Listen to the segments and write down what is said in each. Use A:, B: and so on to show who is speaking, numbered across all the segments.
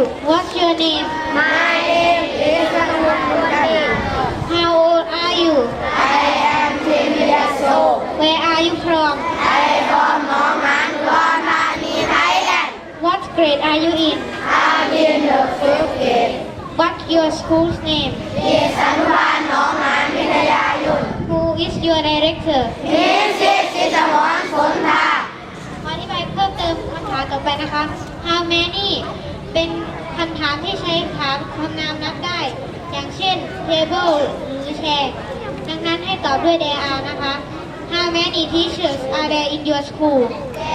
A: What's your name?
B: My name is Sanwuntari.
A: How old are you?
B: I am 10 years old.
A: Where are you from?
B: I from หนองหานอุดรธานี Thailand.
A: What grade are you in?
B: I'm in the 5th grade.
A: What's your school's name?
B: เรียนอนุบาลหนองหานวิทยายุทธ
A: Who is your director?
B: มิสซิสจิตรพรผลทา
A: ขออธิบายเพิ่มเติมคำถามต่อไปนะคะ How many เป็นคำถามที่ใช้ถามคำนามนับได้ อย่างเช่น table หรือ chair ดังนั้นให้ตอบด้วย there are นะคะ How many teachers are there in your school?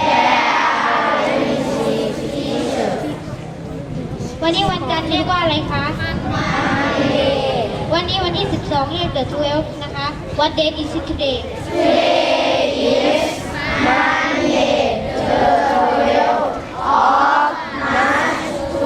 A: วันนี้วันจันทร์เรียกว่าอะไรคะ วันนี้วันที่ 12 เรียก the 12 นะคะ What date is it today?
B: Monday the 12th of March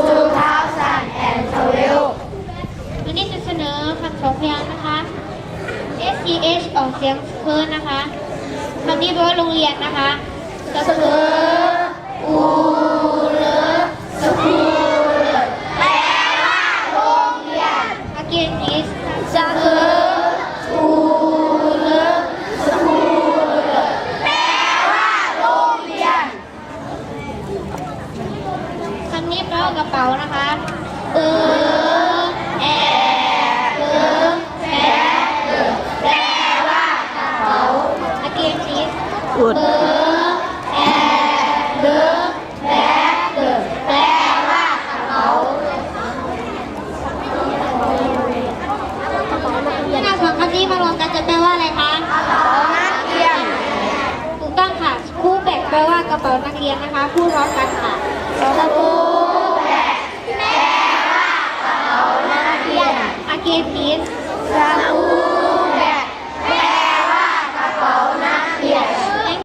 B: 2012.
A: วันนี้จะเสนอคำสองพยางค์นะคะ SCH ออกเสียงเคิร์นนะคะคำนี้แปลว่าโรงเรียนนะคะสเคิร์อูเลสคูล
B: แปลว่าโรงเรียน
A: Again is
B: สเคิร์อูเลสคูลแปลว่าโรงเรียน
A: คำนี้แปลว่ากระเป๋านะคะแอแปลว่ากระเป๋า Again is แอแปลว่ากระเป๋าถ้าเราสองคำนี้มารวมกันจะแปลว่าอะไรคะ
B: กระเป๋านักเรียน
A: ถูกต้องค่ะคู่แบกแปลว่ากระเป๋านักเรียนนะคะพูดพร้อมกันค่ะสกูแบก
B: แปลว่ากระเป๋านักเรียน
A: อาเกนพีส
B: สกู